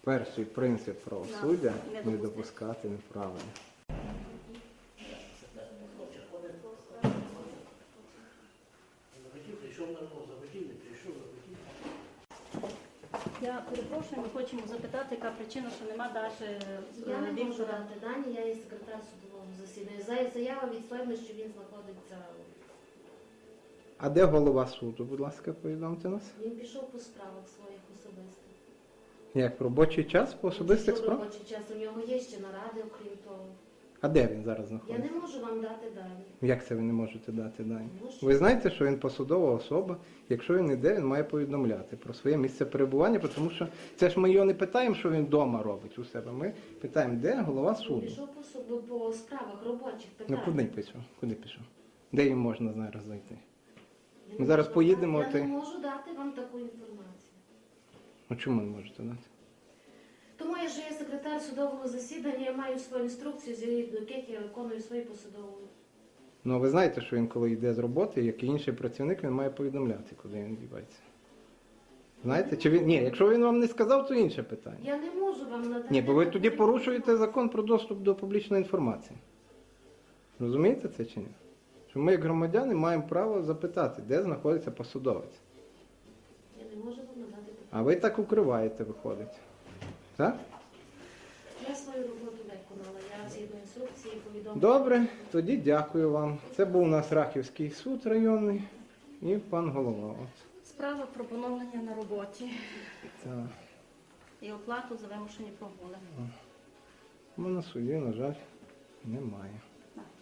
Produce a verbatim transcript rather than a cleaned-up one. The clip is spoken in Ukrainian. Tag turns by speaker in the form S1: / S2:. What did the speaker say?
S1: Перший принцип правосуддя
S2: Не
S1: не
S2: допустити.
S1: допускати неправильно.
S2: Я перепрошую, ми хочемо запитати, яка причина, що нема Даші
S3: Я не можу
S2: Віктора.
S3: дати дані, я є секретар судового засідання. За- Заява від ферми, що він знаходиться.
S1: А де голова суду, будь ласка, повідомте нас?
S3: Він пішов по справах своїх особистих.
S1: Як робочий час по особистих
S3: Пішов
S1: справах?
S3: робочий час. У нього є ще наради, окрім того.
S1: А де він зараз
S3: Я
S1: знаходиться?
S3: не можу вам дати дані.
S1: Як це ви не можете дати дані?
S3: Можу.
S1: Ви знаєте, що він посадова особа, якщо він іде, він має повідомляти про своє місце перебування, тому що це ж ми його не питаємо, що він вдома робить у себе. Ми питаємо, де голова
S3: Він
S1: суду.
S3: пішов по, суду, по справах робочих
S1: Ну
S3: питань.
S1: куди пішов? Куди пішов? Де їм можна зараз зайти?
S3: Я
S1: Ми
S3: не
S1: зараз
S3: можу
S1: поїдемо,
S3: дати-
S1: ти-
S3: Я не можу дати вам таку інформацію.
S1: Ну чому не можете дати?
S3: Тому я ж є секретар судового засідання, я маю свою інструкцію, з яких я виконую свої посадові.
S1: Ну ви знаєте, що він коли йде з роботи, як і інший працівник, він має повідомляти, куди він дівається. Знаєте? Чи він. Ні, якщо він вам не сказав, то інше питання.
S3: Я не можу вам надати.
S1: Ні, бо ви
S3: таку
S1: тоді порушуєте
S3: інформацію.
S1: закон про доступ до публічної інформації. Розумієте це чи ні? Що ми, як громадяни, маємо право запитати, де знаходиться посадовець.
S3: Я не можу вам надати таку.
S1: А ви так укриваєте, виходить. Так?
S3: Я свою роботу виконала. Я згідно інструкції повідомила.
S1: Добре, тоді дякую вам. Це був у нас Рахівський суд районний і пан голова. От.
S2: Справа про поновлення на роботі
S1: Так.
S2: і оплату за вимушені прогули.
S1: У мене на суді, на жаль, немає.